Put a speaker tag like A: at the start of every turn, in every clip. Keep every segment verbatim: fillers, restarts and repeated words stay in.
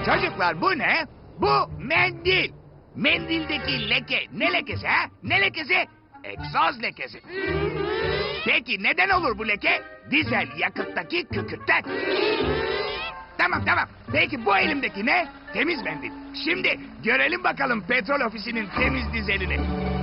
A: Çocuklar bu ne? Bu mendil. Mendildeki leke ne lekesi ha? Ne lekesi? Egzoz lekesi. Peki neden olur bu leke? Dizel yakıttaki kükürtten. Tamam tamam. Peki bu elimdeki ne? Temiz mendil. Şimdi görelim bakalım petrol ofisinin temiz dizelini.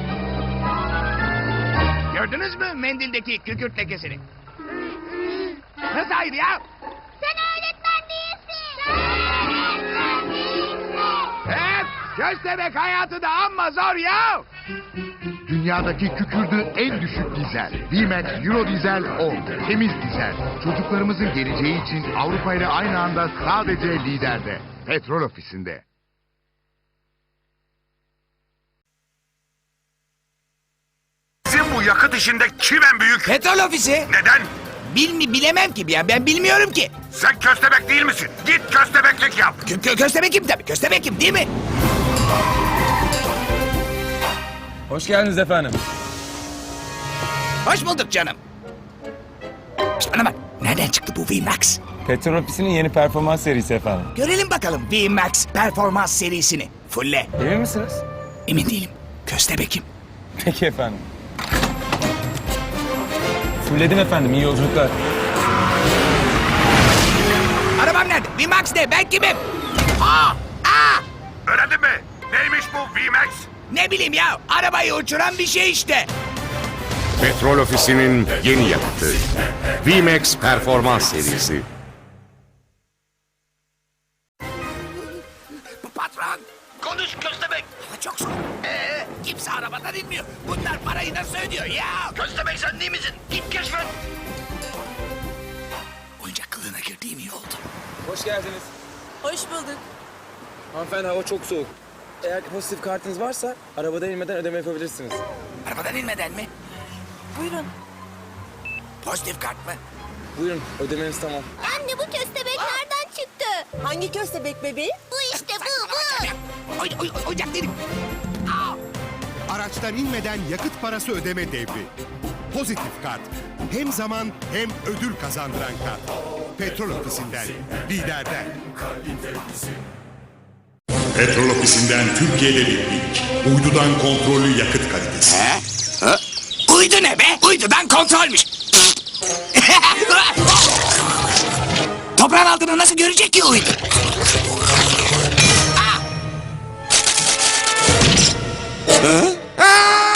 A: Gördünüz mü mendildeki kükürt lekesini? Nasıl hayır ya?
B: Sen öğretmen değilsin. Sen öğretmen değilsin.
A: Evet, köstebek hayatı da amma zor ya.
C: Dünyadaki kükürdü en düşük dizel. V-Max Euro Dizel on. Temiz dizel. Çocuklarımızın geleceği için Avrupa ile aynı anda sadece liderde. Petrol ofisinde.
D: Sizin bu yakıt işinde kim en büyük?
A: Petrol ofisi.
D: Neden?
A: Bil mi bilemem ki ya, ben bilmiyorum ki.
D: Sen köstebek değil misin? Git köstebeklik yap.
A: Kö kö köstebekim tabii, köstebekim değil mi?
E: Hoş geldiniz efendim.
A: Hoş bulduk canım. Şişt, bana bak, nereden çıktı bu V-Max?
E: Petrol Ofisi'nin yeni performans serisi efendim.
A: Görelim bakalım V-Max performans serisini. Fulle.
E: Emin misiniz?
A: Emin değilim. Köstebekim.
E: Peki efendim. Fulledim efendim, iyi yolculuklar.
A: Arabam nerede? V-Max ne? Ben kimim? Aa! Aa!
D: Öğrendin mi? Neymiş bu V-Max?
A: Ne bileyim ya, arabayı uçuran bir şey işte.
F: Petrol Ofisi'nin yeni yakıtı. V-Max Performans serisi.
A: Patron! Konuş köstebek! Hava çok soğuk. Ee, kimse arabadan inmiyor. Bunlar parayı nasıl ödüyor ya? Köstebek sen değil misin? Git keşfet. Oyuncak kılığına girdiğim iyi oldu.
E: Hoş geldiniz.
G: Hoş bulduk.
E: Hanımefendi, hava çok soğuk. Eğer pozitif kartınız varsa arabadan inmeden ödeme yapabilirsiniz.
A: Arabadan inmeden mi?
G: Buyurun.
A: Pozitif kart mı?
E: Buyurun, ödemeniz tamam.
B: Anne bu köstebek nereden çıktı?
G: Hangi köstebek bebeği?
B: Bu işte bu bu.
A: Oy, oy, oyuncak değilim.
H: Araçtan inmeden yakıt parası ödeme devri. Pozitif kart. Hem zaman hem ödül kazandıran kart. Petrol ofisinden, liderden.
I: Petrol ofisinden Türkiye'de bir ilk. Uydudan kontrollü yakıt kalitesi.
A: He? Ha? Uydu ne be? Uydudan kontrolmüş. Toprağın altını nasıl görecek ki uydu? Aa! Hı? Aa!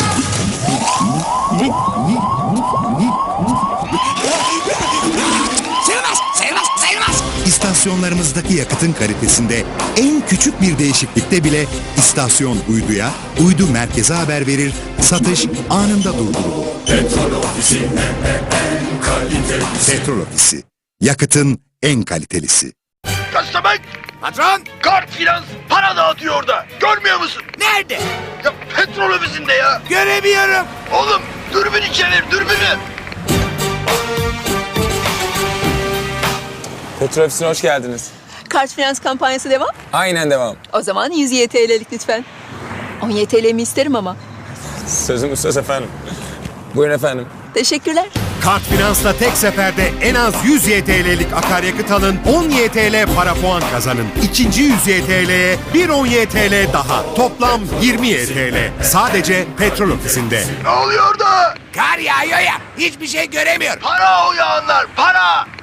A: Sayılmaz, sayılmaz, sayılmaz.
H: İstasyonlarımızdaki yakıtın kalitesinde en küçük bir değişiklikte bile istasyon uyduya, uydu merkeze haber verir, satış anında durdurulur. Petrol Ofisi en kalitesi. Petrol Ofisi, yakıtın en kalitelisi.
D: Köstebek!
A: Patron,
D: Kart Finans para dağıtıyor orada. Görmüyor musun?
A: nerede?
D: Ya petrol ofisinde ya.
A: Göremiyorum.
D: Oğlum dürbün çevir dürbünü.
E: Petrol Ofisi'ne hoş geldiniz.
G: Kart finans kampanyası devam.
E: Aynen devam.
G: O zaman yüz Y T L'lik lütfen. on Y T L mi isterim ama.
E: Sözüm söz efendim. Buyurun efendim.
G: Teşekkürler.
H: Kart Finans'la tek seferde en az yüz Y T L'lik akaryakıt alın, on Y T L para puan kazanın. İkinci yüz Y T L'ye bir on Y T L daha. Toplam yirmi Y T L. Sadece Petrol Ofisi'nde.
D: Ne oluyor orada?
A: Kar yağıyor ya, hiçbir şey göremiyorum.
D: Para o yağanlar para.